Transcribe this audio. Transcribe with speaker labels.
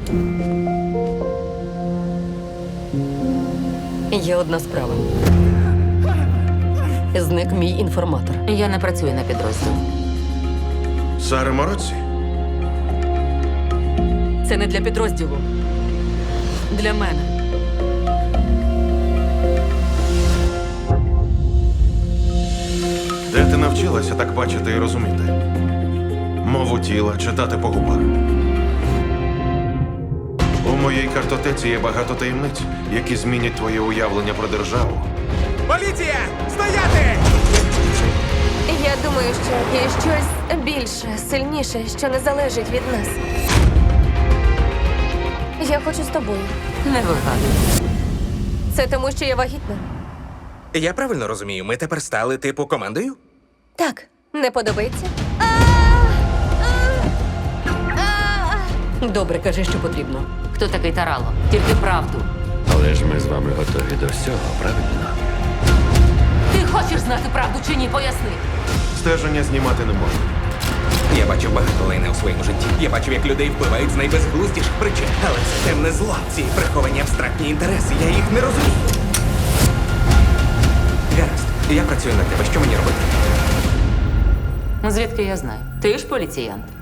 Speaker 1: Є одна справа. Зник мій інформатор.
Speaker 2: Я не працюю на підрозділ.
Speaker 3: Сара Мороці?
Speaker 1: Це не для підрозділу. Для мене.
Speaker 3: Де ти навчилася так бачити і розуміти? Мову тіла, читати по губах. У моїй картотеці є багато таємниць, які змінять твоє уявлення про державу.
Speaker 4: Поліція! Стояти!
Speaker 5: Я думаю, що є щось більше, сильніше, що не залежить від нас. Я хочу з тобою.
Speaker 2: Не вигадуй.
Speaker 5: Це тому, що я вагітна?
Speaker 4: Я правильно розумію, ми тепер стали типу командою?
Speaker 5: Так, не подобається?
Speaker 1: Добре, кажи, що потрібно.
Speaker 2: Хто такий Тарало? Тільки правду.
Speaker 6: Але ж ми з вами готові до всього, правильно?
Speaker 2: Ти хочеш знати правду чи ні? Поясни.
Speaker 3: Стеження знімати не можна.
Speaker 4: Я бачив багато лайна у своєму житті. Я бачив, як людей вбивають з найбезглуздіших причин. Але це темне зло, ці приховані абстрактні інтереси. Я їх не розумію. Гаразд, я працюю на тебе. Що мені робити?
Speaker 2: Звідки я знаю? Ти ж поліціянт.